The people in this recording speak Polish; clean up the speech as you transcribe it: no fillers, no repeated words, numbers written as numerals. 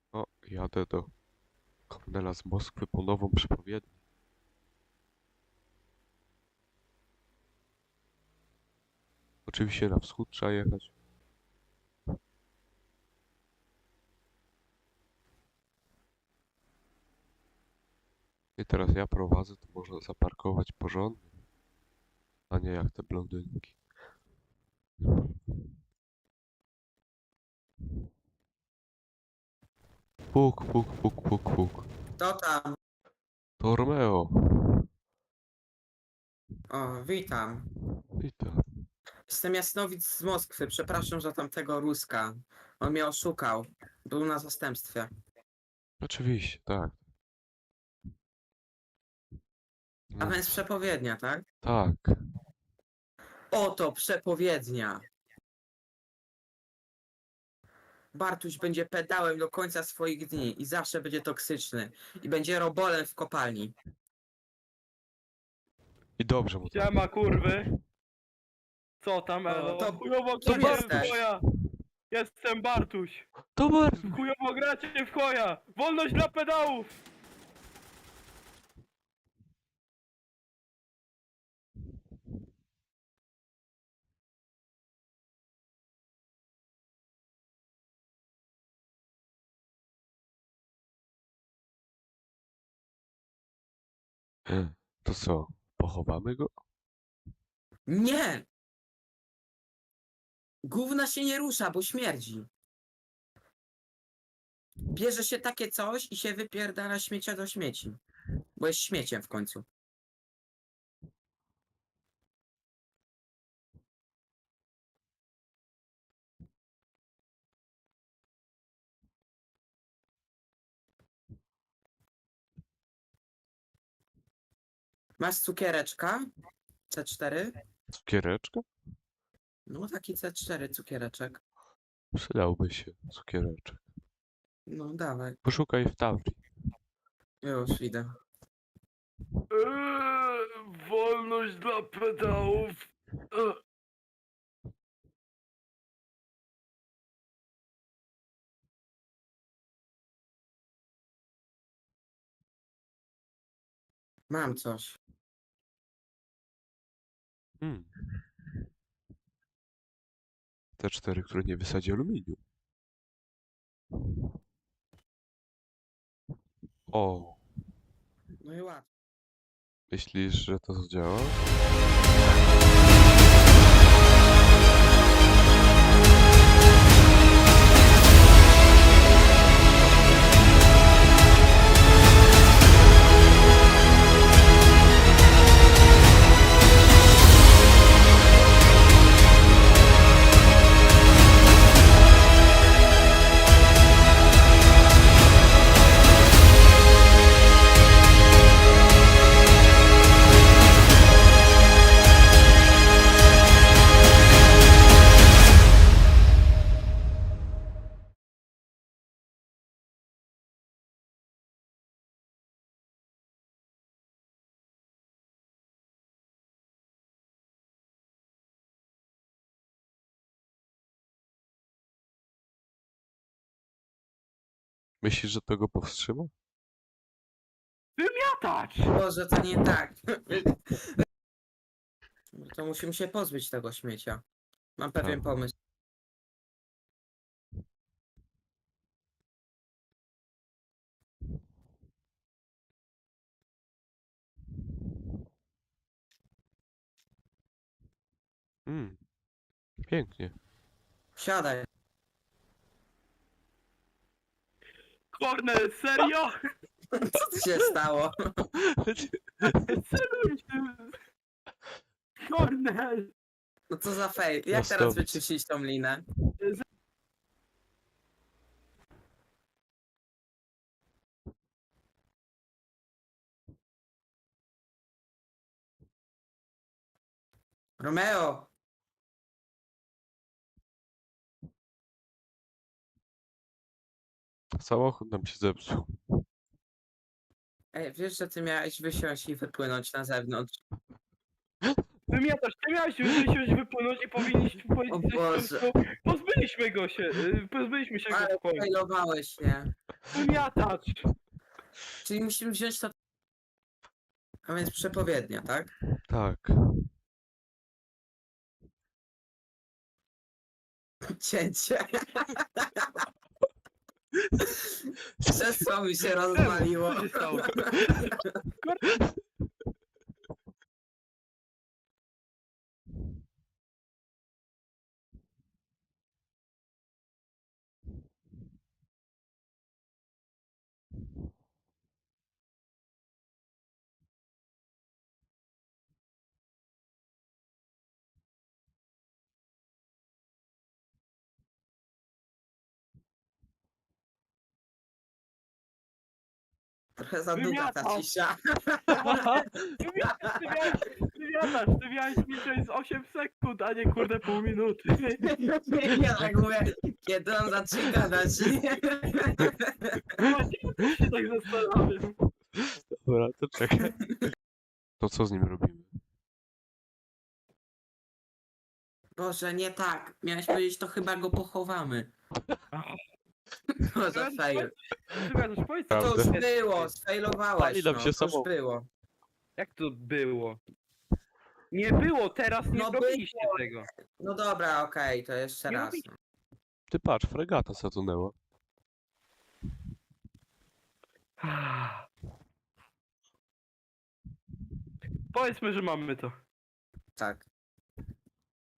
O, jadę do Kornela z Moskwy po nową przepowiednię. Oczywiście na wschód trzeba jechać. I teraz ja prowadzę, to można zaparkować porządnie, a nie jak te blondynki. Puk, puk, puk, puk, puk. To tam. To Romeo. O, witam. Witam. Jestem Jasnowic z Moskwy. Przepraszam za tamtego Ruska. On mnie oszukał. Był na zastępstwie. Oczywiście, tak. A No, więc przepowiednia, tak? tak. Oto przepowiednia. Bartuś będzie pedałem do końca swoich dni i zawsze będzie toksyczny. I będzie robolem w kopalni. I dobrze mu tak. Siema kurwy. Co tam Elo? to- Chujowo kim gracie w jesteś? choja. Jestem Bartuś. To bardzo. Chujowo gracie w choja. Wolność dla pedałów. To co, pochowamy go? Nie! Gówna się nie rusza, bo śmierdzi. Bierze się takie coś i się wypierdala śmiecia do śmieci. Bo jest śmieciem w końcu. Masz cukiereczka? C4? Cukiereczka? No taki C4 cukiereczek. Przydałby się cukiereczek. No dawaj. Poszukaj w Taurii. Już idę. Wolność dla pedałów. Mam coś. Te cztery, które nie wysadzi aluminium. O, No i łatwo. myślisz, że to zadziała? Myślisz, że to go powstrzyma? Wymiatać. Boże, to nie tak. To musimy się pozbyć tego śmiecia. Mam pewien Tak. pomysł. Pięknie. Siadaj. Kornel, serio? Co tu się stało? Celuj się. Kornel. No co za fail. Jak teraz Jasnowic. wyczyścić tą linę? Romeo! Samochód nam się zepsuł. Ej, wiesz, że ty miałeś wysiąść i wypłynąć na zewnątrz? Wymiatasz. Ty miałeś wysiąść, wypłynąć i powinniśmy O powiedzieć, Boże. pozbyliśmy go się. Pozbyliśmy się go Ale w spokoju. failowałeś, nie? Wymiatacz! Czyli musimy wziąć to... A więc przepowiednia, tak? Tak. Cięcie. Krzesło mi się rozwaliło. Co się stało? Trochę za długa ta Wymiatał. cisza. Ty miałeś liczyć z 8 sekund, a nie kurde pół minuty. Ja tak mówię, kiedy on zacznie gadać. Właśnie też się tak zastanawiam. Dobra, to czekaj. To co z nim robimy? Boże, nie tak. Miałeś powiedzieć, to chyba go pochowamy. Boże, fail. Wymiatacz, powiedz To Prawda. już było, sfailowałeś, Pali nam no, się to już samo. było. jak to było? Nie było, teraz nie No zrobiliście tego. No dobra, okej, to jeszcze Nie raz. robi- No. Ty patrz, fregata zatonęła. Powiedzmy, że mamy to. Tak.